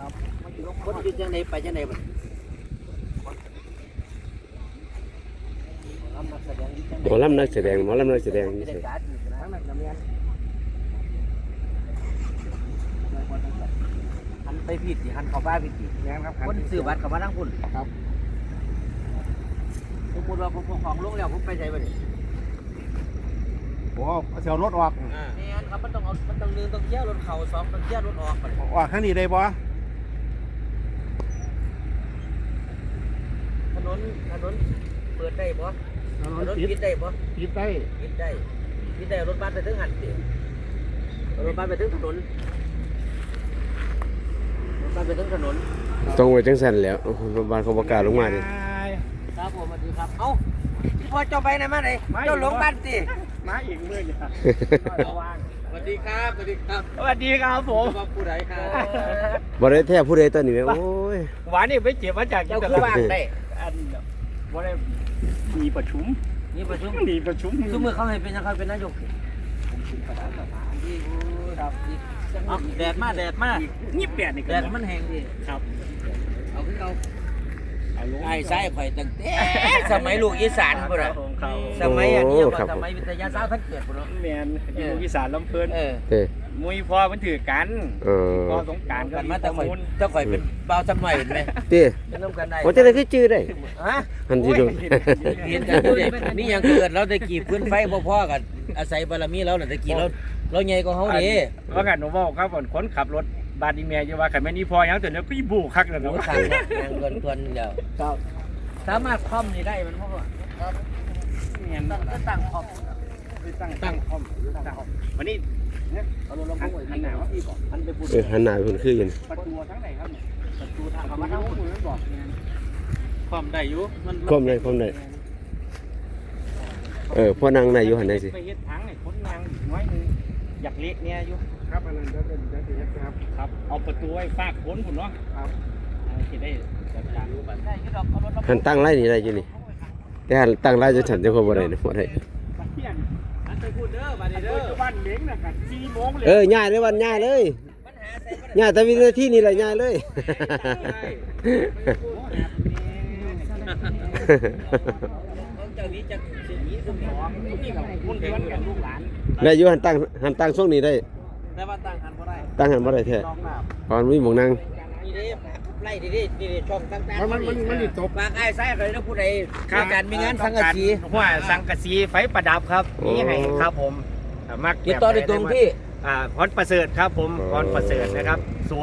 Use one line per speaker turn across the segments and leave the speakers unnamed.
คนอยู่จังไหนไปจังไหนบ่
หมอลำนักแสดงหมอลำนักแสดงนี่สิ
หันไปผิดสิหันเข้าบ้านผิดสิคนซื้อบัตรเข้ามาทั้งคุณครับสมมติว่าผมของลงแล้วผมไปใช้บ่ได้
โอ้เสียวรถออก
นี่อันครับมันต้องนึงต้องเที่ยวรถเข่าสองต้องเที่ยวรถออกไป
ออกข้างนี้ได้บ่
ถนนเปิดได้บ่ถนนปิดได้บ่
ปิดได้
ปิดได้รถบัสไปถึงหันสิรถบัสไปถึงถนนรถบัสไปถึงถนน
ต้องไว้จังซั่นแหล้วโรงพยาบาลเขาประกาศลงมาดิ
ครับผมสวัสดีครับเอ้าพี่พ่อเจ้าไปไหนมาไหนเจ้าหลงบ้านสิ
มาอีกเมื่อกี้
สวัสดีครับสวัสดีครับ
สวัสดีครับผม
ว่าผู้ใดครับ
บ่ได้แท้ผู้ใดตอนนี้แม่โอ้ย
หวานนี่ไปเจ็บมาจาก
เจ้าคือว่างได้
อันบ่ได้มีประชุม
นี่ประชุม
มีประชุม
ทุกมือเขาให้เป็นนะครับเป็นนายกครับแดดมาแดดมา
ยี่แปดนี่
แดดมันแห้งดิ
ครับ
เอาขึ้นเอาไอ้ไส้ข่อยตั้งแต่สมัยลูกอีสานพุ่นน่ะสมัยอันนี้ก็สมัยวิทยาศาสตร์ท่านเกิดพุ่นเนาะ
แมนอยู่อีสานลำเพลิน
เออ
เด้อ
มวยพอมันถือกัน พอสงการก็
กัน
มี
มา
ป
แต่
ระ
ข่อย
มูล
เจ้าข่อยเป็นเบาจำหน่อยเห็นไหม
เด้อ
เป็นน้ำกันได้
ว่าจะได้คือชื่อได้
ฮะ
หันสิโดน
เห็นกันอยู่เด็นี่ยังเกิดเราได้กี่พื้นไฟพ่อๆกันอาศัยบารมีเราน่ะได้กี่เราใหญ่กว่าเขาดิ
ว่ากันหนูบอกครับคนขับรถบาดอีเมียอยู่ว่าขันแม่นี่พอยังแต่เนี้ยพี่บูคักเลย
หนู
เนาะ
ทางเนี่ยยังเกินเดียว
ครับ
สามารถคล่อมนี่ได้มันเพราะว่า
เห็น
ตั้งคล่อม
ตั้งคอมวันนี้
เอาลงลงไปหันหน้าว่าพี่บอกหันไปพูด
หันหน้าเพิ่นคืออยู่นี่
ประตูทั้งไหนครับ
ประตูทางเขามาทางพูดมันบอก
ความได้อยู่มัน
คมได้พ่อนางได้อยู่หันได้สิ
ไปเฮ็ดทางไอ้คนนางน้อยนึงอยากเละเนี่ยอยู่ครับอันนั้นจะเป็นครับเอาประตูไว้ฝากคนผมเนาะครับที่ได้จัดการรูปแบบ
ได้ยึดดอกเอารถ
หันตั้งไร่นี่ได้อยู่นี่แต่หันตั้งไร่จะฉันจะพอบ่ได้นะบ่ได้
มาเที่ยง
อันไปพูดเด้อบัดนี้เด้อ
บ้านเม้งนะกัน4 โมงเลย
ง่ายเลยวันง่ายเลย
ปัญหาใส่บ่ได้
ง่ายแต่วินาทีนี่แหละง่ายเลย
ของเจ้านี้จะสิหนีซุ่มนี่
นี่กับคนเดือนกับลูกหลาน
ได้อยู่หันตั้งช่วงนี้ได้
แต่ว่าตั้งหันบ่ได้
ตั้งหันบ่ได้แท้
น้องน้ำ
ตอนมีหมองนั่ง
นี่เด้ไล่ดิช่องต่างๆ
มันตก
ฝากไอ้ไส้เลยนะผู้ใดมีการมีงานสังกะสี
หัวสังกะสีไฟประดับครับนี่ให้ครับผมมัก
ติดต่อได้ตรงที่
พรประเสริฐครับผมพรประเสริฐนะครับ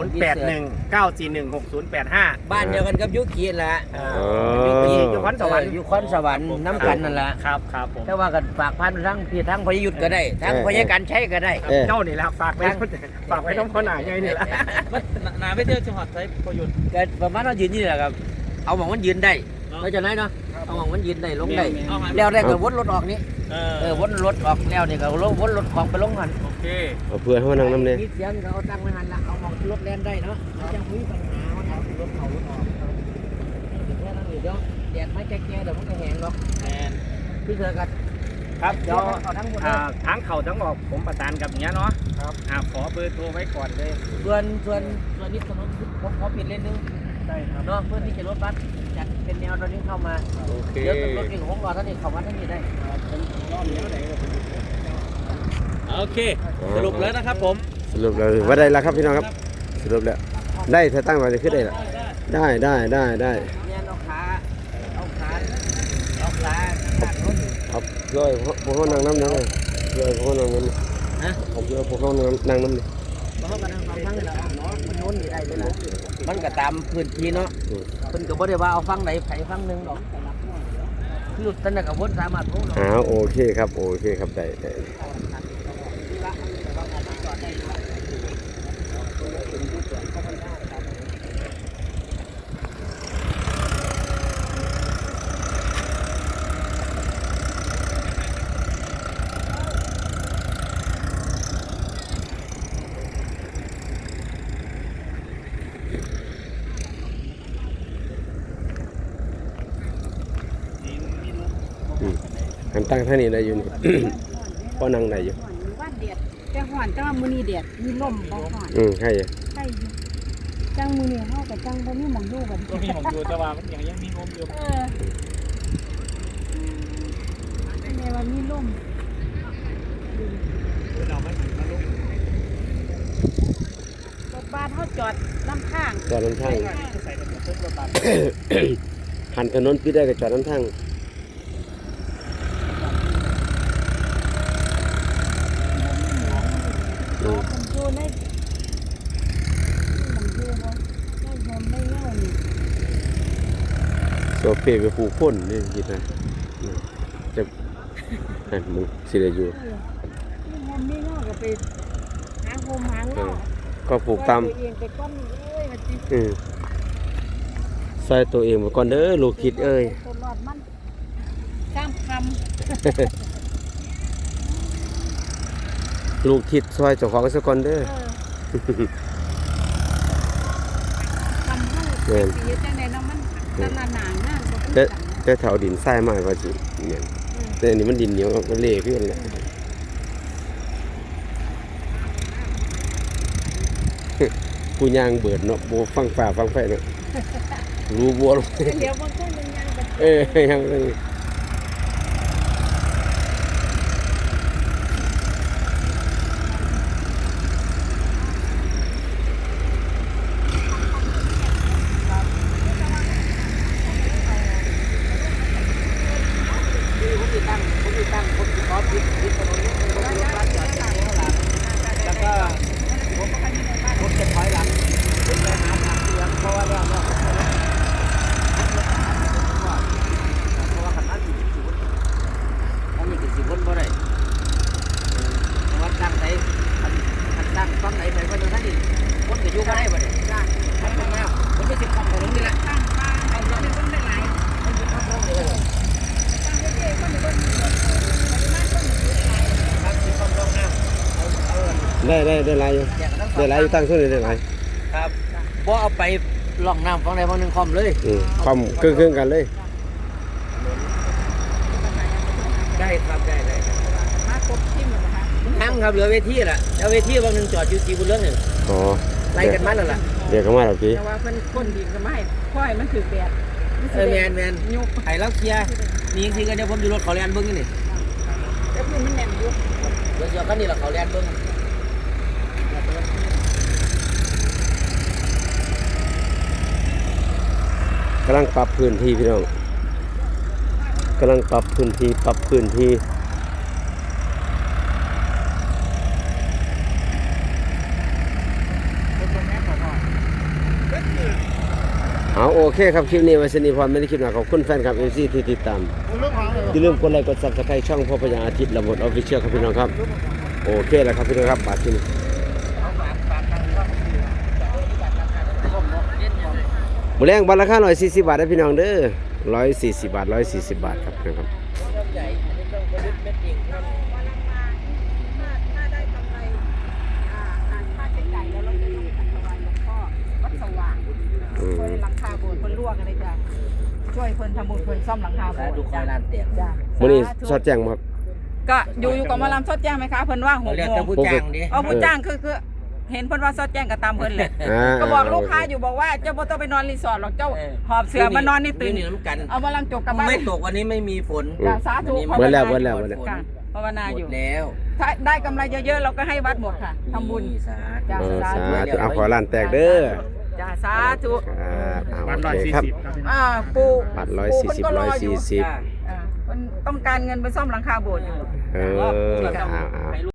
0819416085
บ้านเดียวกันกับยุคีนแหละ
ยุคีอยู่คอนสวรรค์
อยู่คอนสวรรค์น้ำกันนั่นแหละ
ครับครับผม
แต่ว่ากันฝากพันทั้งพี่ทั้งพยุทธก็ได้ทั้งพยาการใช้ก็ได้
เจ้านี่แหละฝากไว้ต้องพ่อหน่ายใหญ่นี่แหละ
หนาไม่เจอจังหวัดใช้ประยุทธ์ก็ประมาณเรายืนนี่แหละครับเอาหวังมันยืนได้เราจะไหนเนาะเอาหวังมันยืนได้ลงได้แล้วได้ก็วนรถออกนี่วนรถออกแล้วนี่ก็วนรถของไปลงหัน
โอเค
เอาเพื่อนเฮานั่งนำแน่
มีเสียงเขาตั้งไว้หันละเอาหวังรถแล่นได้เนาะจะมีปัญหาว่าเอารถเขารถออกแค่นั้นเดี๋ยวแดดไม่แก่เดี๋ยวมันก็แห้งหรอกพี่เธอกัน
ครับเดี๋ยว
เอาทั้งหมด
ทั้งเข่าทั้งออกผมประสานกับเนี้ยเนาะครับขอเบอร์โทรไว้ก่อนเลย
ส่วนนี้ถนนผมขอเปลี่ยนเลนนึง
ได้ครับ
เนาะเพื่อที่จะรถบัสจัดเป็นแนวตอนนี้เข้ามา
โอเค
เดี๋ยวรถเก่งของเราท่านนี้เข้ามาท่านนี้ได้
รอบนี้ไหน
โอเคสรุปแล้วนะครับผม
สรุปแล้วว่าได้แล้วครับพี่น้องครับสรุปแล้วได้ถ้าตั้งไว้จะขึ้นได้ละได้
เนี่ยเอาขาขาดรถ
เอาเลยพวกเขานั่งน้ำนี่เลยเลยพวกเขานั่งน้ำนี่
ฮะ
เอาเลยพวกเขานั่งน้ำนี่
เพราะกันทางฟังนี่แหละเนาะมันโน้นนี่ได้เลยนะมันก็ตามพื้นที่เนาะเพิ่นก็บ่ได้ว่าเอาฟังไหนไผฟังหนึงดอกคือท่านน่ะก็บ่สามารถรู้เนาะ
โอเคครับได้หันตั้งท่านี้ได้อยู่นี่ พอนั่งได้อยู่
ว่านเดียดแต่ห่อนแต่ว่ามื้อนี้เดียดมีลมบ่ห่อน
ใช่
ใช่อยู่จังมือนี่เฮากับจังบ่มีหม่องอยู่กัน
ก็มีหมองอยู่แต่ว่ามันยังมีลมอยู่
แม่ว่ามีลม
เราไม่ถึงมาลม
รถบัสเฮาจอดน้ำข้าง
จอดน้ำทาง
ใส่กระสุนรถบัส
หันถนนปิดได้ก็จอดน้ำทาง
รอคนอยู่ในหม่องอยู่บ่ได้บ่ไม่เล่านี่
โซเปไปผูกพ่นนี่คิดนะจะนั่นมึงสิได้อยู่
นี่มันไม่เล่าก็ไปหาโฮมหาเล่า
ก็ผูกตาม
ตัวเองไปก้อนเอ้ยว่าจิ
ใส่ตัวเองมาก่อนเด้อลูกคิดเอ้ย
ตลอดมันข้ามค
ลูกคิดซอยเจ้าของซะก่อนเด้อ
ำทำให้เสียจังได๋เนาะมันตะละหนางน่ะบ่เป็นกัน
แต่แถวดินทรายมากกว่าสิเนี่ยแต่อันนี้มันดินเหนียวมันเละขึ้นเลยผู้ย่างเบิดเนาะบ่ฟังฟ้าฟังไฟเนาะรู้บัวลง
เดี๋ยวบางคนมันยังแบบ
ยังเลย
ผมมีตั้งผมขอปิดถนนนี้ผมรถบัสจอดข้างหลังแล้วก็ผมจะถอยหลังผมไปหาทางเลี้ยงเพราะว่าแล้วเพราะว่าคันนั้นอยู่ที่สุดอันนี้คือสิบวนบ่ได้เพราะว่าตั้งไหนคันตั้งฝั่งไหนไปก็ตรงนั้นนี่คนก็อยู่บ่ได้บ่ได้มันเป็นแนวมันเป็นสิบคำของนี่แหละ
ตั้งบ้านเอาเงินเพิ่นได้หลาย
มันเป็นคำของนี่เลย
ตั้งเยอะๆคนเพิ่นปริมาณคนอยู่ได้หลาย
ครับสิบคำของน้ำเอา
ได้หลายอยู่ได้หลายอยู่ตั้งส่วนได้หลาย
ครับบ่เอาไปล่องน้ำฝั่งใดฝั่งหนึ่งคอมเลย
ความเครื่องกันเลย
ได้ครับได้
มาครบทิ่มแล้วนะคะ
ทั้งครับเหลือเวทีล่ะแล้วเวทีบางหนึ่งจอดอยู่สีบุญเรื่องหนึ่ง
อ๋อ
ไล่กันมาแล้วล่ะ
เดี๋ยวก็มาแล้วพี่
แต่ว่าเพิ่นคนดินก็ไม่ค่อยมันถือแดด
แมน
ยุบ
ไห้แล้วเคลียร์มีจริงๆกันเดี๋ยวผมอยู่รถเขาแลนเบิ้งนี่
แล้วพื้นมันแน่นอยู่
เดี๋ยวกันนี่แหละเขาแลนเบิ้ง
กำลังปรับพื้นที่พี่น้องกำลังปรับพื้นที่เอาโอเคครับคลิปนี้ไว้สนิพรไม่ได้คลิปหนาขอบคุณแฟนคลับ FC ที่ติดตามอย่าลืมกดไลค์กด Subscribe ช่องพ่อพญาอาทิตย์ระบบออฟฟิเชียลครับพี่น้องครับโอเคแล้วครับพี่น้องครับบาทที่นี่หมูแรงบัตรราคา140 บาทนะพี่น้องเด้อ140 บาท140 บาทครับนะครับ
ใหญ่อันนี้ต้องเม็ดจริงครับ
ถ้าได้กำไรค่าใช้จ่ายแล้วเราจะต้องจัดถวายหลวงพ่อวัดสว่างช่วยหลังคาโบสถ์เพิ่นลวกอะไรจ้ะช่วยเพิ่นทำบุญเพิ่นซ่อมหลังคาโบ
สา
สถ์
ธุคอยลานเตียง
จ้ะ
มื้อนี้สอดแจ้งครับ
ก็อยู่กับหมอลำสดแจ้งไหมคะเพิ่นว่า
เขา
6
เรียก
โม
แต่
ง
ผู้จ้างดิ
เอาผู้จ้างคือเห็นเพิ่นว่าสดแจ้งก็ตามเพิ่นเลย
า
ก็บอกลูกค้าอยู่บอกว่าเจ้าบ่ต้องไปนอนรีสอร์ทหรอกเจ้าหอบเสือมานอนนี่ตื่น
นี่น้ำกัน
เอามาลังจกกลับบ้าน
ไม่ตกวันนี้ไม่มีฝน
จ้ะสาธุ
เบิดแล้ว
ค่ะภาวนา
หม
อยู่
ดแล้ว
ถ้าได้กำไรเยอะๆเราก็ให้วัดหมดค่ะทำบุญ
สา
จ้ะ
ธุ
สาธุเอาขอล้านแตกเด้อ
จ้าสาธุ
ครับโอเคครับ
ปู
บัตร
ปูเพิ่นก็รออยู่
140
จ้า
เพิ่นต้องการเงินไปซ่อมหลังคาโบสถ์อยู่
เอา